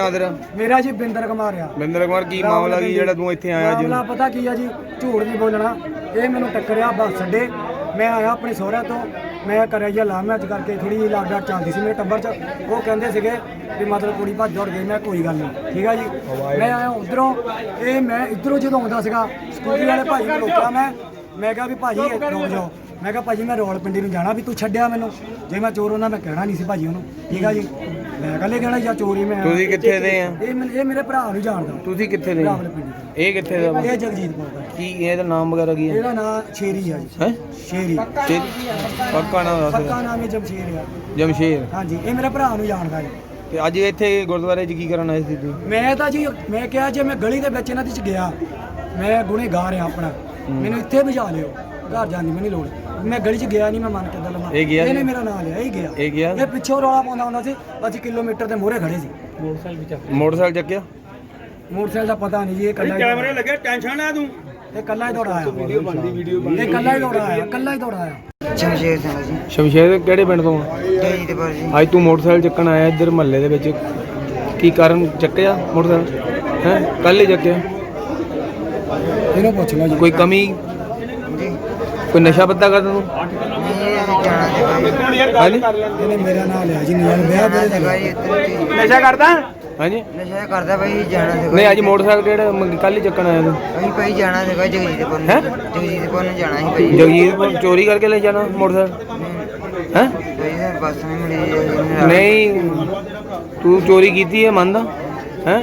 ਨਾਂ ਤੇਰਾ? ਮੇਰਾ ਜੀ ਬਿੰਦਰ ਕੁਮਾਰ ਆ। ਬਿੰਦਰ ਕੁਮਾਰ, ਕੀ ਮਾਮਲਾ ਕੀ ਜਿਹੜਾ ਤੂੰ ਇੱਥੇ ਆਇਆ ਜੀ? ਮਾਮਲਾ ਪਤਾ ਕੀ ਆ ਜੀ, ਝੂਠ ਨਹੀਂ ਬੋਲਣਾ। ਇਹ ਮੈਨੂੰ ਟੱਕਰਿਆ ਬੱਸ ਅੱਡੇ, ਮੈਂ ਆਇਆ ਆਪਣੇ ਸਹੁਰਿਆਂ ਤੋਂ, ਮੈਂ ਕਰਿਆ ਜੀ ਲਾਹ ਮੈਚ ਕਰਕੇ ਥੋੜੀ ਜਿਹੀ ਲਾਗ ਡਾਟ ਚੱਲਦੀ ਸੀ ਮੇਰੇ ਟੱਬਰ 'ਚ। ਉਹ ਕਹਿੰਦੇ ਸੀਗੇ ਵੀ ਮਤਲਬ ਕੁੜੀ ਭੱਜ ਦੌੜ ਗਈ। ਮੈਂ ਕੋਈ ਗੱਲ ਨਹੀਂ, ਠੀਕ ਆ ਜੀ। ਮੈਂ ਆਇਆ ਉਧਰੋਂ, ਇਹ ਮੈਂ ਇੱਧਰੋਂ ਜਦੋਂ ਆਉਂਦਾ ਸੀਗਾ ਸਕੂਟਰੀ ਵਾਲੇ ਭਾਈ ਨੂੰ ਰੋਕਿਆ ਮੈਂ ਕਿਹਾ ਵੀ ਭਾਜੀ ਰੁਕ ਜਾਓ। ਮੈਂ ਕਿਹਾ ਭਾਜੀ ਮੈਂ ਰੌਲਪਿੰਡੀ ਨੂੰ ਜਾਣਾ, ਵੀ ਤੂੰ ਛੱਡਿਆ ਮੈਨੂੰ। ਜੇ ਮੈਂ ਚੋਰ ਹੁੰਦਾ ਮੈਂ ਕਹਿਣਾ ਨਹੀਂ ਸੀ ਭਾਜੀ ਉਹਨੂੰ, ਠੀਕ ਆ ਜੀ। ਮੈਂ ਕੱਲੇ ਕਹਿਣਾ ਜਾਂ ਚੋਰੀ ਮੈਂ। ਤੁਸੀਂ ਕਿੱਥੇ ਦੇ ਆ? ਇਹ ਮੇਰੇ ਭਰਾ ਨੂੰ ਜਾਣਦਾ। ਤੁਸੀਂ ਕਿੱਥੇ ਦੇ? ਇਹ ਕਿੱਥੇ ਦਾ? ਇਹ ਜਗਜੀਤਪੁਰ ਦਾ। ਕੀ ਇਹਦਾ ਨਾਮ ਵਗੈਰਾ ਕੀ ਹੈ? ਇਹਦਾ ਨਾਮ ਸ਼ੇਰੀ ਆ ਜੀ। ਹੈ ਸ਼ੇਰੀ ਪੱਕਾ ਨਾਮ ਦੱਸ। ਪੱਕਾ ਨਾਮ ਹੈ ਜਮਸ਼ੇਰ ਆ। ਜਮਸ਼ੇਰ। ਹਾਂਜੀ, ਇਹ ਮੇਰੇ ਭਰਾ ਨੂੰ ਜਾਣਦਾ ਜੀ। ਤੇ ਅੱਜ ਇੱਥੇ ਗੁਰਦੁਆਰੇ 'ਚ ਕੀ ਕਰਨ ਆਏ ਸੀ ਤੁਸੀਂ? ਮੈਂ ਤਾਂ ਜੀ ਮੈਂ ਕਿਹਾ ਜੇ ਮੈਂ ਗਲੀ ਦੇ ਵਿੱਚ ਇਹਨਾਂ ਦੀ ਚ ਗਿਆ, ਮੈਂ ਗੁਨੇਗਾਰ ਆ ਆਪਣਾ, ਮੈਨੂੰ ਇੱਥੇ ਭਜਾ ਲਿਓ, ਘਰ ਜਾਣ ਦੀ ਮੈਨੂੰ ਲੋੜ। ਮੈਂ ਗਲੀ 'ਚ ਗਿਆ ਨਹੀਂ, ਮੈਂ ਮੰਨ ਕੇ ਗੱਲ ਲਵਾਂ। ਇਹ ਗਿਆ? ਇਹਨੇ ਮੇਰਾ ਨਾਂ ਲਿਆ, ਇਹ ਗਿਆ। ਇਹ ਗਿਆ? ਇਹ ਪਿੱਛੋਂ ਰੌਲਾ ਪਾਉਂਦਾ ਹੁੰਦਾ ਸੀ, ਅਸੀਂ ਕਿਲੋਮੀਟਰ ਦੇ ਮੂਹਰੇ ਖੜੇ ਸੀ। ਮੋਟਰਸਾਈਕਲ ਚੱਕਿਆ? ਮੋਟਰਸਾਈਕਲ ਦਾ ਪਤਾ ਨਹੀਂ ਜੀ। ਇਹ ਕੱਲਾ ਕੈਮਰੇ ਲੱਗੇ, ਟੈਨਸ਼ਨ ਨਾ ਤੂੰ। ਇਹ ਕੱਲਾ ਹੀ ਦੌੜਾ ਆਇਆ। ਵੀਡੀਓ ਕੱਲਾ ਹੀ ਦੌੜਾ ਆਇਆ, ਕੱਲਾ ਹੀ ਦੌੜਾ ਆਇਆ। ਸ਼ਮਸ਼ੇਰ ਸਿੰਘ ਜੀ। ਸ਼ਮਸ਼ੇਰ ਕਿਹੜੇ ਪਿੰਡ ਤੋਂ? ਜਗਜੀਤਪੁਰ ਜੀ। ਅੱਜ ਤੂੰ ਮੋਟਰਸਾਈਕਲ ਚੱਕਣ ਆਇਆ ਇੱਧਰ ਮਹੱਲੇ ਦੇ ਵਿੱਚ, ਕੀ ਕਾਰਨ ਚੱਕਿਆ ਮੋਟਰਸਾਈਕਲ? ਹੈ ਕੱਲ ਹੀ ਚੱਕਿਆ? ਇਹਨੂੰ ਪੁੱਛ ਲਓ ਜੀ। ਕੋਈ ਕਮੀ, ਜੀ ਕੋਈ ਨਸ਼ਾ ਪੱਤਾ ਕਰਦਾ ਤੂੰ? ਨਹੀਂ ਜਾਣਾ ਸੀਗਾ ਜੀ। ਹਾਂਜੀ ਇਹਨੇ ਮੇਰਾ ਨਾਂ ਲਿਆ ਜੀ, ਨਿਆਲ ਵਿਆਹ ਜਾਣਾ ਬੜੇ ਸੀਗਾ ਦਾ। ਜੀ ਇੱਧਰ ਜੀ। ਨਸ਼ਾ ਕਰਦਾ? ਹਾਂਜੀ। ਨਸ਼ਾ ਕਰਦਾ ਭਾਈ, ਜਾਣਾ ਸੀਗਾ। ਨਹੀਂ ਅੱਜ ਮੋਟਰਸਾਈਕਲ ਕਿਹੜਾ ਕੱਲ ਹੀ ਚੱਕਣ ਆਇਆ ਤੂੰ? ਅਸੀਂ ਭਾਈ ਜਾਣਾ ਸੀਗਾ ਜਗਜੀਤਪੁਰ ਨੂੰ। ਹੈਂ? ਜਗਜੀਤਪੁਰ ਨੂੰ ਜਾਣਾ ਸੀ ਭਾਈ। ਜਗਜੀਤਪੁਰ ਚੋਰੀ ਕਰਕੇ ਲੈ ਜਾਣਾ ਮੋਟਰਸਾਈਕਲ? ਹੈ ਭਾਈ ਸਰ ਬੱਸ ਨਹੀਂ ਮਿਲੀ ਜੀ। ਨਹੀਂ, ਤੂੰ ਚੋਰੀ ਕੀਤੀ ਹੈ ਮੰਨਦਾ ਹੈ?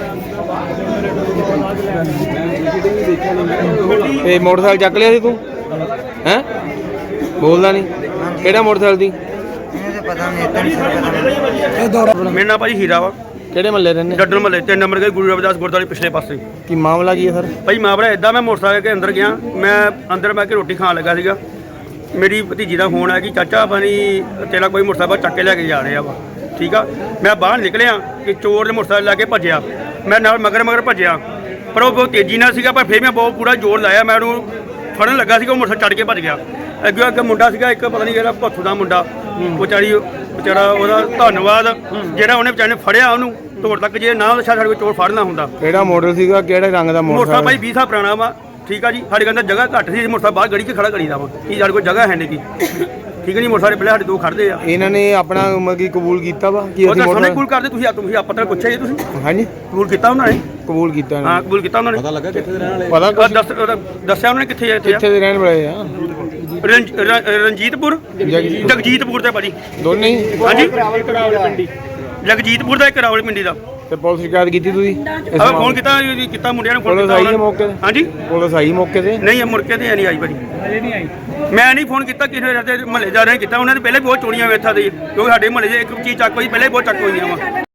ਤੇ ਮੋਟਰਸਾਈਕਲ ਚੱਕ ਲਿਆ ਸੀ ਤੂੰ? ਹੈ ਬੋਲਦਾ ਨਹੀਂ? ਕਿਹੜਾ ਮੋਟਰਸਾਈਕਲ ਦੀ? ਇਹਨੂੰ ਤਾਂ ਪਤਾ ਨਹੀਂ, ਇੱਦਾਂ ਨਹੀਂ ਸਰ ਪਤਾ ਮੈਨੂੰ। ਇਹ ਦੌੜਾ ਮੇਰਾ ਨਾਂ ਭਾਜੀ ਹੀਰਾ ਵਾ, ਕਿਹੜੇ ਮਹੱਲੇ ਰਹਿੰਦੇ? ਡੱਡਰ ਮਹੱਲੇ 3 ਨੰਬਰ ਗਏ, ਗੁਰੂ ਰਵਿਦਾਸ ਗੁਰਦੁਆਰੇ ਪਿਛਲੇ ਪਾਸੇ। ਕੀ ਮਾਮਲਾ ਕੀ ਹੈ ਸਰ? ਭਾਈ ਮਾਮਲਾ ਇਦਾਂ, ਮੈਂ ਮੋਟਰਸਾਈਕਲ ਕੇ ਅੰਦਰ ਗਿਆ, ਮੈਂ ਅੰਦਰ ਬੈ ਕੇ ਰੋਟੀ ਖਾਣ ਲੱਗਾ ਸੀਗਾ। ਮੇਰੀ ਭਤੀਜੀ ਦਾ ਫੋਨ ਆਇਆ ਕਿ ਚਾਚਾ ਬਣੀ ਤੇਰਾ ਕੋਈ ਮੋਟਰਸਾਈਕਲ ਚੱਕ ਕੇ ਲੈ ਕੇ ਜਾ ਰਿਹਾ ਵਾ, ਠੀਕ ਆ। ਮੈਂ ਬਾਹਰ ਨਿਕਲਿਆ ਕਿ ਚੋਰ ਦੇ ਮੋਟਰਸਾਈਕਲ ਲੈ ਕੇ ਭੱਜਿਆ। ਮੈਂ ਨਾਲ ਮਗਰ ਭੱਜਿਆ, ਪਰ ਉਹ ਬਹੁਤ ਤੇਜ਼ੀ ਨਾਲ ਸੀਗਾ। ਪਰ ਫਿਰ ਮੈਂ ਬਹੁਤ ਪੂਰਾ ਜ਼ੋਰ ਲਾਇਆ, ਮੈਂ ਉਹਨੂੰ ਫੜਨ ਲੱਗਾ ਸੀਗਾ, ਉਹ ਮੋਟਰਸਾਈਕਲ ਚੜ੍ਹ ਕੇ ਭੱਜ ਗਿਆ। ਅੱਗੇ ਮੁੰਡਾ ਸੀਗਾ ਇੱਕ, ਪਤਾ ਨਹੀਂ ਕਿਹੜਾ ਭੱਥੂ ਦਾ ਮੁੰਡਾ, ਵਿਚਾਰਾ ਉਹਦਾ ਧੰਨਵਾਦ ਜਿਹੜਾ ਉਹਨੇ ਵਿਚਾਰੇ ਨੇ ਫੜਿਆ ਉਹਨੂੰ ਤੋੜ ਤੱਕ। ਜੇ ਨਾ ਸਾਡੇ ਕੋਲ ਚੋਰ ਫੜਨਾ ਹੁੰਦਾ। ਕਿਹੜਾ ਮਾਡਲ ਸੀਗਾ, ਕਿਹੜੇ ਰੰਗ ਦਾ ਮੋਟਰਸਾਈਕਲ ਭਾਈ ਮੋਟਰਸਾਈਕਲ? 20 ਸਾਲ ਪੁਰਾਣਾ ਵਾ, ਠੀਕ ਆ ਜੀ। ਸਾਡੇ ਕੋਲ ਜਗ੍ਹਾ ਘੱਟ ਸੀ, ਮੋਟਰਸਾਈਕਲ ਬਾਹਰ ਗੜੀ 'ਚ ਖੜਾ ਕਰੀਦਾ ਵਾ, ਕੀ ਸਾਡੇ ਕੋਲ ਜਗ੍ਹਾ ਹੈ ਨਹੀਂ ਗੀ, ਠੀਕ ਹੈ ਨਹੀਂ। ਮੋਟਰਸਾਈਕਲ ਪਹਿਲੇ ਸਾਡੇ ਦੋ ਖੜਦੇ ਆ। ਇਹਨਾਂ ਨੇ ਆਪਣਾ ਮਗੀ ਕਬੂਲ ਕੀਤਾ ਵਾ ਕਿ ਉਹ ਅਸੀਂ ਤਾਂ ਸੋਨੇ ਮੋਟਰ? ਕਬੂਲ ਕਰਦੇ, ਤੁਸੀਂ ਆਪਾਂ ਤਾਂ ਪੁੱਛਿਆ ਜੀ, ਤੁਸੀਂ ਹਾਂਜੀ ਕਬੂਲ ਕੀਤਾ ਉਹਨਾਂ ਨੇ? ਕਬੂਲ ਕੀਤਾ ਇਹਨਾਂ ਹਾਂ ਨੇ। ਕਬੂਲ ਕੀਤਾ ਉਹਨਾਂ ਨੇ। ਪਤਾ ਕੁਛ? ਦੱਸਿਆ ਉਹਨਾਂ ਨੇ ਕਿੱਥੇ ਇੱਥੇ ਕਿੱਥੇ ਦੇ ਰਹਿਣ ਵਾਲੇ ਆ? ਰਣਜੀਤਪੁਰ, ਜਗਜੀਤਪੁਰ ਤੇ ਭਾਜੀ ਦੋਨੇ ਹੀ? ਹਾਂਜੀ, ਜਗਜੀਤਪੁਰ ਦਾ ਇੱਕ ਰਾਵਲ ਪਿੰਡੀ ਦਾ। ਤੇ ਪੁਲਿਸ ਸ਼ਿਕਾਇਤ ਕੀਤੀ ਤੁਸੀਂ? ਆਪਾਂ ਫੋਨ ਕੀਤਾ ਮੁੰਡਿਆਂ ਨੂੰ, ਫੋਨ ਪੁਲਿਸ ਕੀਤਾ ਆਈ ਉਹਨਾਂ ਹੈ ਨੂੰ। ਮੌਕੇ ਤੇ? ਹਾਂਜੀ ਪੁਲਿਸ ਆਈ ਮੌਕੇ ਤੇ? ਨਹੀਂ, ਮੁਰਕੇ ਤੇ ਨਹੀਂ ਆਈ ਭਾਜੀ, ਮੈਂ ਨਹੀਂ ਫੋਨ ਕੀਤਾ ਕਿਸੇ ਮਹੱਲੇਦਾਰਾਂ ਨੇ ਕੀਤਾ। ਉਹਨਾਂ ਨੇ ਪਹਿਲੇ ਬਹੁਤ ਚੋਰੀਆਂ ਵੇਥਾ ਦੇ, ਕਿਉਂਕਿ ਸਾਡੇ ਮਹੱਲੇ 'ਚ ਇੱਕ ਚੀਜ਼ ਚੱਕ ਹੋਈ, ਪਹਿਲੇ ਬਹੁਤ ਚੱਕ ਹੋਈਆਂ ਵਾ।